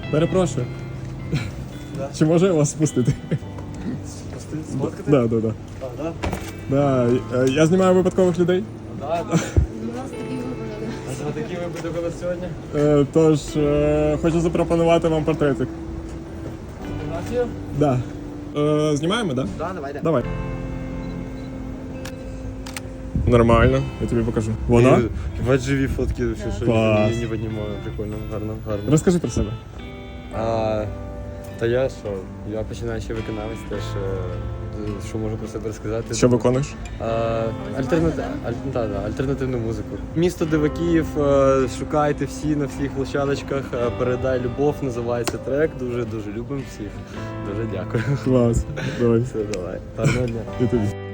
Перепрошую. Да. Чи можу я вас спустити? Сфоткати? Да. А, да? Да. Я знімаю випадкових людей. Да. У нас такий випадок. А за такий випадок у нас сьогодні? Тож хочу запропонувати вам портретик. Фотографію? Да. Знімаємо, да? Да, давайте. Давай. Нормально, я тобі покажу. Вона? Бать живі фотки, вообще, що Клас. не піднімаю. Прикольно, гарно. Розкажи про себе. Та я що? Я починаючий виконавець теж. Що можу про себе розказати? Що виконуєш? Альтернативну музику. Місто Дивакіїв, шукайте всі на всіх площадочках. Передай любов, називається трек. Дуже любимо всіх. Дуже дякую. Клас. Давай. Все, давай. Гарного дня. І тобі.